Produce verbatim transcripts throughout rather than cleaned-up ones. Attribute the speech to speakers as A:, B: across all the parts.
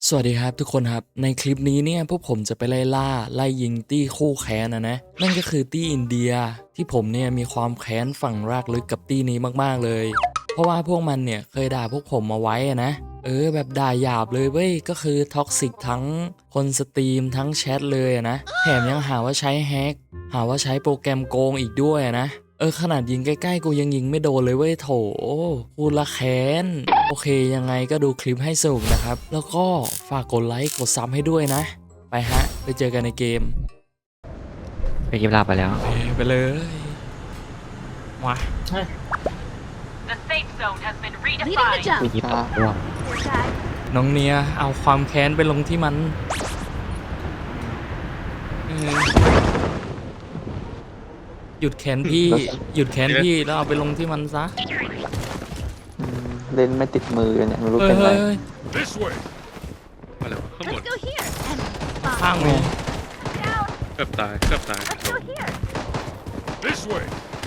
A: สวัสดีครับทุกคนครับในคลิปนี้เนี่ยพวกผมจะไปไล่ล่าไล่ยิงตี้คู่แค้นนะนะนั่นก็คือตี้อินเดียที่ผมเนี่ยมีความแค้นฝังรากลึกกับตี้นี้มากๆเลยเพราะว่าพวกมันเนี่ยเคยด่าพวกผมมาไว้อะนะเออแบบด่าหยาบเลยเว้ยก็คือท็อกซิกทั้งคนสตรีมทั้งแชทเลยอะนะแถมยังหาว่าใช้แฮกหาว่าใช้โปรแกรมโกงอีกด้วยอะนะเออขนาดยิงใกล้ๆกูยังยิงไม่โดนเลยเว้ยโถพูดละแค้นโอเคยังไงก็ดูคลิปให้สนุกนะครับแล้วก็ฝากกดไลค์กดซับให้ด้วยนะไปฮะไปเจอกันในเกม
B: ไปกินลาไปแล้ว
A: เอ้ยไปเลยมา
C: The safe zone has been
D: Leading the
C: redefined.
B: ไป
D: jump.
B: ยิบตกร่วง
A: น้องเนียเอาความแค้นไปลงที่มันเออหยุดแค้นพี่ หยุดแค้นพี่แล้วเอาไปลงที่มันซะ
E: อืมเล่นไม่ติดมือกันเนี่ยไม่รู้
A: เฮ้ย
E: เป็นไร
A: เฮ้ย
F: This way มาแล้วข้างบน
D: Let's go here. And
A: ข้างมี
F: เกือบตายเกือบตาย
D: let's go here.
F: This way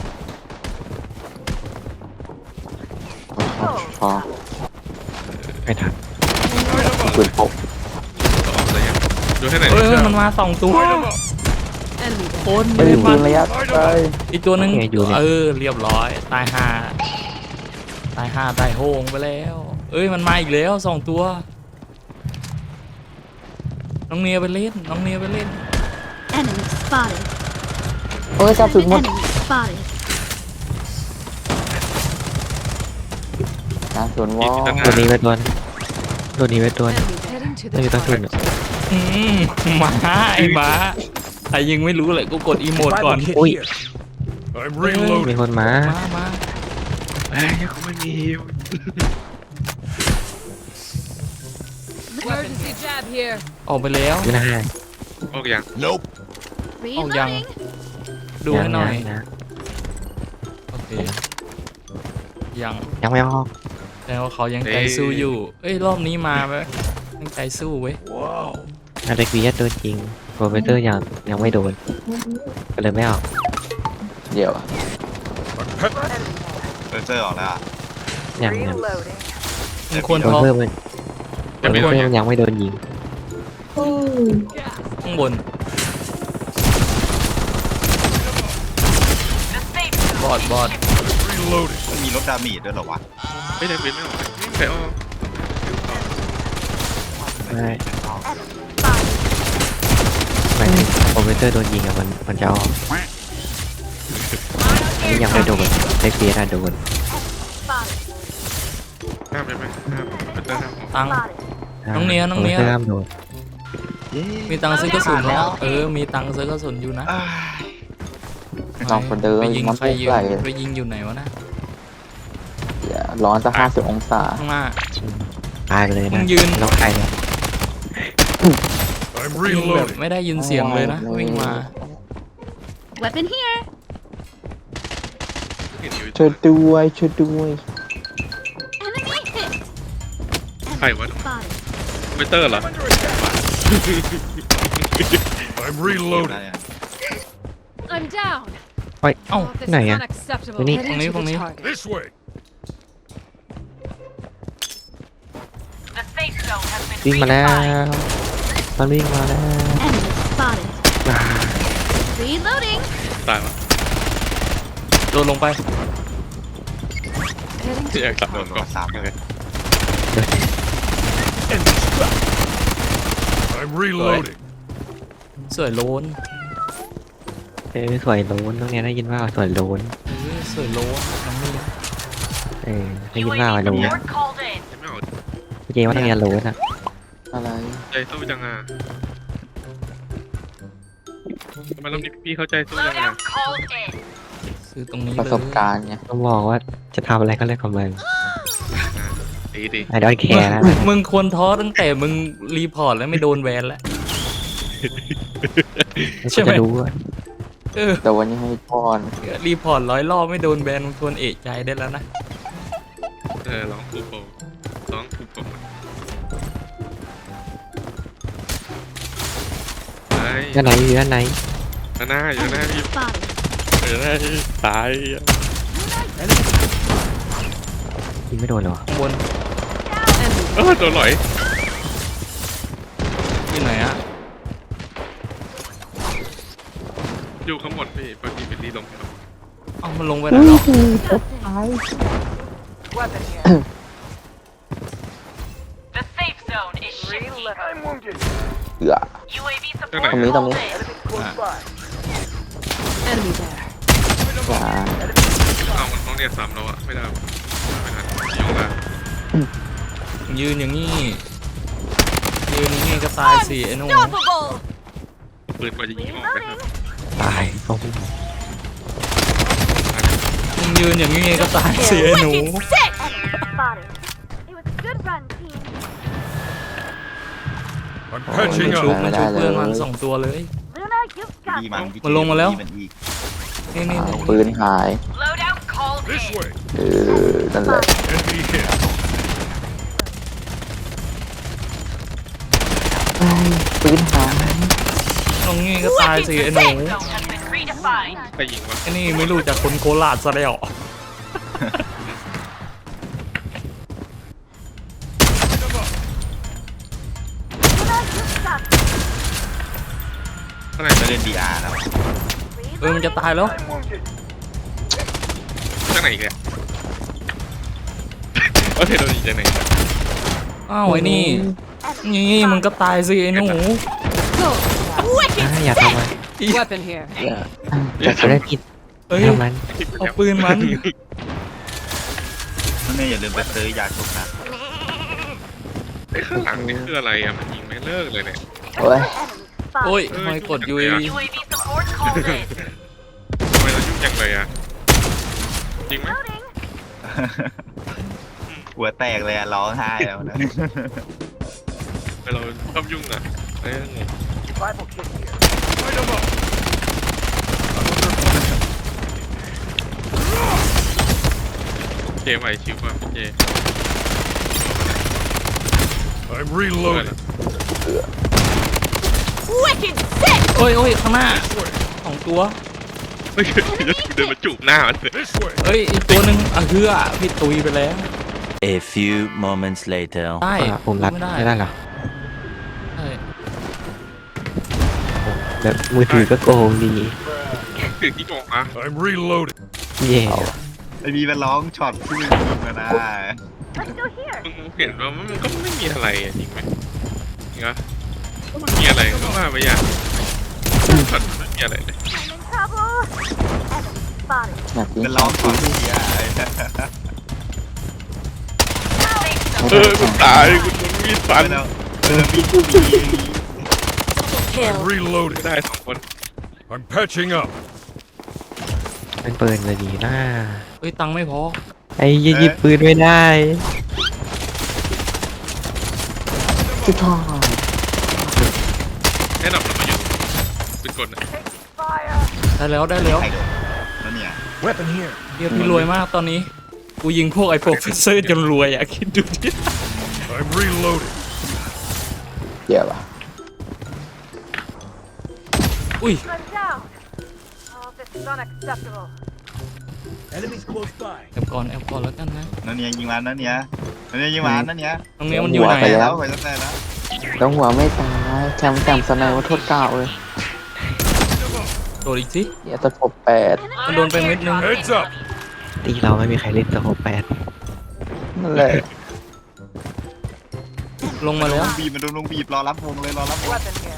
E: พอพอ
B: ไม่ทัน
E: ปืนพก
F: ต่อออกเลยยังดูให้หน่อย
A: เฮ้ยเฮ้ยมันมาสองตัว
D: Enemy
A: คน
E: ไม่มีปืนระยะไกล
A: อีกตัวหนึงเออเรียบร้อยตายห่าตายห่าตายโหงไปแล้วเอ้ยมันมาอีกแล้วสองตัวน้องเนียไปเล่นน้องเนียไปเล่น
D: Enemy spotted.
E: เอ้ยกระสุนหมด
D: Enemy spotted.
E: กระสุนวอ
B: ตัวนี้ไปตัวตัวนี้ไปตัว
D: Enemy heading to
B: ไม่มีต้องทุนอ่ะ
A: อืมหมาไอ้หมาใครยังไม่รู้เลยกูกดอีโมดก่อน
B: อุ้ย
F: I'm
B: มี
F: reloading
B: คนมา
A: มามา
F: เฮ้ยเขาไม่มี
D: Emergency jab here.
A: ออกไปแล้ว
B: ไม่น่าให้
F: ออกยัง Nope
D: Reloading.
A: ดูให้หน่อย
B: งนะ
A: โอเคยัง
B: ยังไม่ออก
A: แต่ว่าเขายังใจสู้อยู่ เอ้ยรอบนี้มาไหมยังใจสู้เว้ย
F: ว้าว
B: อาเด็กวีเอสตัวจริงโปรเฟสเตอร์ยังยังไม่โดนก็เลยไม่ออก
E: เดี๋ยว
G: เซอร์เซอร์ออกแล้วอะ
B: ยังยัง
A: มันควร
B: โดน
A: ท็อป
B: เพิ่มมันโดนเพิ่มยังไม่โดนยิง
A: ข้างบน
C: The safe
A: บอดบอด
F: reloading
G: มันมีรถดาเมจด้วยเหรอวะ
F: ไม่ได้เป็นไม่ออกใครออก
B: ไม่หมายถึงโปรเฟสเตอร์โดนยิงอะมันมันจะออกอันนี้ยังไม่โดนเด็กวีเอสอะโดน
F: ห้ามไปไหมห้ามเป็นเตอร์ห้ามออก
A: ตังค์ น้องเนียน้องเนีย
B: โปรเฟสเตอร์ห้ามโดน
A: มีตังค์ซื้อกระสุนแล้วเออมีตังค์ซื้อกระสุนอยู่นะ
G: อ้าย
E: ไม่ต้องคนเดิน
A: ไปยิง
E: มัน
A: ใคร
E: ปุ๊บ
A: อยู่
E: ไหล
A: ไปยิงอยู่ไหนวะนะ
E: อย่าร้อนสักห้าสิบองศา
A: ข้างหน้า
B: ตายไปเลย
A: มึ
B: นะ
A: งยืน
B: ต้องใครเนี่ย
F: I'm
A: ยิงแบบ
F: reloading
A: ไม่ได้ยินเสียงเลยนะวิ่งมา
D: Weapon here.
F: เห็นอยู่
E: ช่วยด้วยช่วยด้วย
D: Enemy hit.
F: ใครวะ
D: Spotted.
F: เบเตอร์เหรอ I'm
G: ได้
F: reloading
G: อะ
D: I'm down.
B: เฮ้ย
A: เอ้า
D: This
B: ไหน
D: is
B: อะ
D: unacceptable.
B: Ini-
D: Heading
A: Ini,
D: to the
A: ini.
D: target.
F: This way
C: The safe zone has been
B: วิ่งมาแล้ว
C: redefined.
B: มันวิ่งมาแล้ว
D: Enemy spotted.
B: อ่า
D: Reloading.
F: ตายวะ
A: โดนลงไป
D: Heading
F: ที่
D: to
F: แอกกลับ
G: โด
F: โด
G: น
F: น
G: ร
F: ก่อ
G: ถ
F: น
G: สาม
F: โอ
G: เล
F: เค
G: ย
F: I'm reloading
A: สวยโลน
B: เออสวยโลนตรงเนี้ยได้ยินว่าสวยโลน
A: เออสวยโลนน้องเนีย
B: เออได้ยินว่า
C: U A V
B: โลน
C: support called in.
F: ไม่ออก
B: เจว่าตรงเนี้ยโลนอะ
E: อะไร
F: ใจสู้จังอ่ะทำไมรอบนี้พี่เข้าใจสู้จังอ่ะ
C: Loadout called in.
A: ซื้อตรงนี้
E: ประ
A: เลย
E: สบการณ์ไง
B: ต้องบอกว่าจะทำอะไรก็เรื่องของมึง
F: ดีดี
B: ไอ้ดอยแคร์นะ
A: มึงมึงควรท้อตั้งแต่มึงรีพอร์ตแล้วไม่โดนแบนแล้ว ใช่
B: ใช่
A: ไหม
B: จะรู้ว่า
A: เออ
E: แต่วันนี้ให้พร
A: รีพอร์ตร้อยรอบไม่โดนแบนมึงควรเอะใจได้แล้วนะ
F: เออร้องฟูโปร้องฟูโปไอ้
B: ด้านไหนอยู่ด้านไหน
F: หน้าอยู่หน้า
D: enemy
F: พี่
D: spotted.
F: อยู่หน้าพี่ตาย
B: ยิงไม่โดนเหรอ
A: ข้างบน
D: Enemy.
F: เออโดนหลอยอยู่ข้างบนพี่ปกติเป็นที่ลงครับ
A: เอามันลงไปไหนแล้ว
C: Weapon here. The safe zone is shifting. I'm wounded.
E: เอือ
C: U A V
F: ตรงไหน
C: support
E: ตรงนี้ตรงนี้
C: called in.
D: Enemy there.
E: จ้า
F: เอามันต้องเรียกซ้ำแล้วอะไม่ได้วะไม่ทันยงละ
A: ยืนอย่างนี้ ยืนอย่างนี้ก็ตายสิไอ้หนุ่ม
D: Unstoppable.
F: ปืนกว่าจะยิงออกนะครับ
B: ตายโอ้โห
A: มึงยืนอย่างนี้ก็ตายสิไอ้หนู
D: Wicked sick. Spotted. It was a good run, team.
G: I'm
A: มัน
G: patching
A: ชุบ
G: up.
A: มันชุบเพื่อนมันสองตัวเลย
D: Luna, you've got
G: ดีมัน
D: this.
A: มันลงมาแล้ว
G: ดีนอีก
A: นี่นี่
E: อ้าว
A: นี่
E: ปืนหาย
C: Loadout called
G: This
C: in.
G: way.
E: เออนั่นแหละ
G: Enemy hit.
E: ไอ้ปืนหาย
A: ตรงนี้ก็ตายสิไอ้หนู
C: Safe zone has been redefined.
F: ใครยิงวะ
A: ไอ้นี่ไม่รู้จากคนโคราชซะแล้ว
F: ข้างใน
G: จะเล่น ดี อาร์ แล้ว
A: เออมันจะตายแล้ว
F: ข้างในอีกเลยโอเคโดนยิงจากไหนเนี่ย
A: อ้าวไอ้นี่นี่มันก็ตายสิไอ้หนู
B: อ่าอย่าทำมัน
C: Weapon here.
E: จะ
B: จะได้ผิด
A: เอ้ย
B: ทำมัน
A: เอาปืนมัน
G: นั่นเนี่ยอย่าลืมไปซื้อยาชุบนะ
F: ไอ้ข้างหลังนี่คืออะไรอะมันยิงไม่เลิกเลยเนี่ย
E: โอ้ย
A: โอ้ยทำไมกดยู
C: U A V support called in.
F: ทำไมเรายุ่งจังเลยอะจริงไหม
G: หัวแตกเลยอะร้องไห้แล้วนะ
F: ทำไมเราชอบยุ่งอะเอ้ยงง
C: Survival kit here.
G: Light 'em up.
F: เจไหวชิวป่ะพี่เจ
G: I'm reloading.
D: Wicked sick.
A: โอ้ยโอ้ยข้างหน้าสองตัว
F: เฮ้ยเดินมาจูบหน้ามันเลย
G: This way.
A: เอ้ยอีกตัวหนึ่งอ่ะเฮือพี่ตุยไปแล้ว
H: A few moments later.
A: ได้
B: อ่ะผมรัด
A: ไม่ได้
B: ไม่ได้เหรอ
A: ใช่
B: แบบมือถือก็โกงดี
F: ถึงที่บอกมา
G: I'm reloading.
B: เย่
G: ไอบีมันร้องช็อตที่มึงยิงมานะ
D: Let's go here.
F: มึงเห็นว่ามันก็ไม่มีอะไรอะจริงไหมจริงปะมันมีอะไรก็ว่าไปอย่างช็อตมันไม่มีอะไรเลย
D: I'm in trouble. Enemy spotted.
E: อยากยิง
G: มันร้องช็อตที่อ่ะ
F: เออกูตายกูโดนมีดฟัน
G: ไม่แล้วเออมีผู้มีอย่างนี้
H: Kill.
G: I'm
F: ไม่
G: reloading.
F: ได้สองคน
G: I'm patching up.
B: เป็นปืนเลยดีนะ
A: เอ้ยตังค์ไม่พอ
B: ไอ้ยี่หยิบปืนไม่ได้
E: จุดทอง
F: แค่ดับเรามาอยู่เป็นกดนะ
A: ได้แล้วได้แล้ว
G: ใครโดนแล้วเนี่ย Weapon here.
A: เฮียพี่รวยมากตอนนี้ กูยิงพวกไอ้โปรเฟสเซอร์จนรวยอ่ะคิดดูดิ
G: I'm reloading.
E: เดี๋ยวป่ะ
A: อุ้ย
D: I'm down. Oh, this is unacceptable.
G: Enemies close by.
A: แอบก่อนแอบก่อนแล้วกันนะ
G: นั่นเนี่ยยิงมันนั่นเนี่ยนั่นเนี่ยยิงมันนั่นเนี่ย
A: ตรงนี้มันอยู่ไหน
E: ป
A: อะ
G: แล้วไปตั้งแต่แล้ว
E: ต้องหัวไม่ตายแชมป์แชมป์สไนว่าโทษเก่าเลย
A: โดดอีกสิ
E: เดี๋ยวตะปบแปด
A: มันโดนไปเม็ดนึง
G: Heads up.
B: ตีเราไม่มีใครเล่นตัวหกแปด
E: นั่นแหละ
A: ลงมาแล้ว
G: บีบมันโดนลงบีบรอรับวงเลยรอรับวง
C: Weapon here.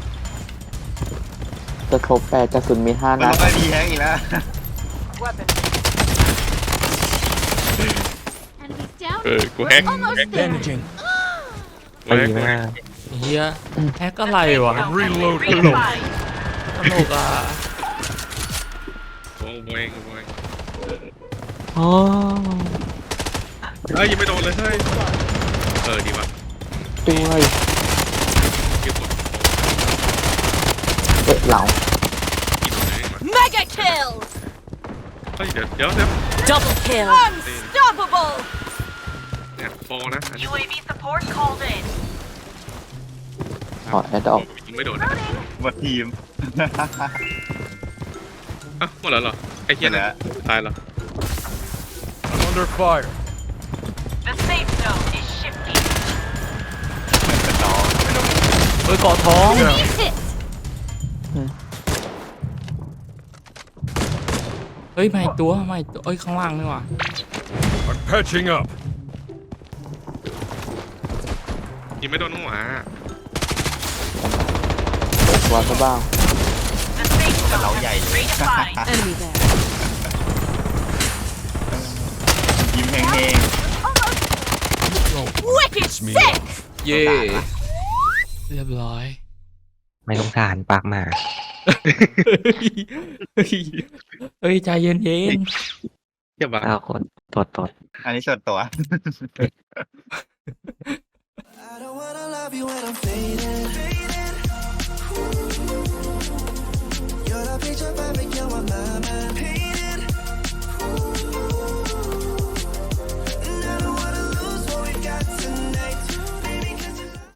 E: จะครบแปดกระสุนมีห้า
G: มัน
E: นั
G: ล
E: ด
G: งไปดีแฮกอีกแล้ว
C: Weapon.
D: Enemies down.
F: เออกูแฮก
D: Almost
F: แฮก
D: there.
G: Damaging.
F: กูแฮ
B: ตี
F: ก
B: มาก
A: เฮียแฮกอะไรวะ
G: I'm reloading.
C: Redefined.
A: ตลกอ่ะ
F: โอ้โหเองโอ้โหเอง
B: อ๋อ
F: เอ้ยยังไม่โดนเลยเฮ้ยเออดีว่ะ
E: ด้วย
F: เก็บกด
E: เอ๊ะเหล่า
F: กี่โดนเลยมา
D: Mega kill.
F: เฮ้ยเดี๋ยวเดี๋ยวเดี๋ยว
H: Double kill.
D: Unstoppable.
F: เนี่ยโปรนะอันนี้
C: U A V support called in.
E: ขอแอดดอก
F: ยิงไม่โดนนะ
G: หมดทีม
F: อ่ะหมดแล้วเหรอไอ้เหี้ย
G: หมดแล้
F: นะ
G: ว
F: ตายแล้ว
G: I'm under fire.
C: The safe zone is shifting.
G: ต่อ
A: เอ้ยเกาะท้อง
D: Enemy hit.
A: เฮ้ยมาอีกตัวมาอีกตัวเอ้ยข้างล่างนี่หว่า
G: I'm patching up.
F: ยิงไม่โดนหัว
E: ตัวซะบ้าง
C: The safe zone
I: เรา
C: has
I: ใหญ่
C: been
I: เลย
C: redefined.
H: Enemy there.
I: ยิ้มแห้ง
H: Wicked
G: me
H: sick.
A: เย่เรียบร้อย
B: ไม่สงสารปากหมา
A: เฮ้ยใจเย็นเย็น
F: เจ็บปะ
B: เอาคนตดตด
I: ๆอันนี้ส่วนตัว
J: I don't wanna love you when I'm fading.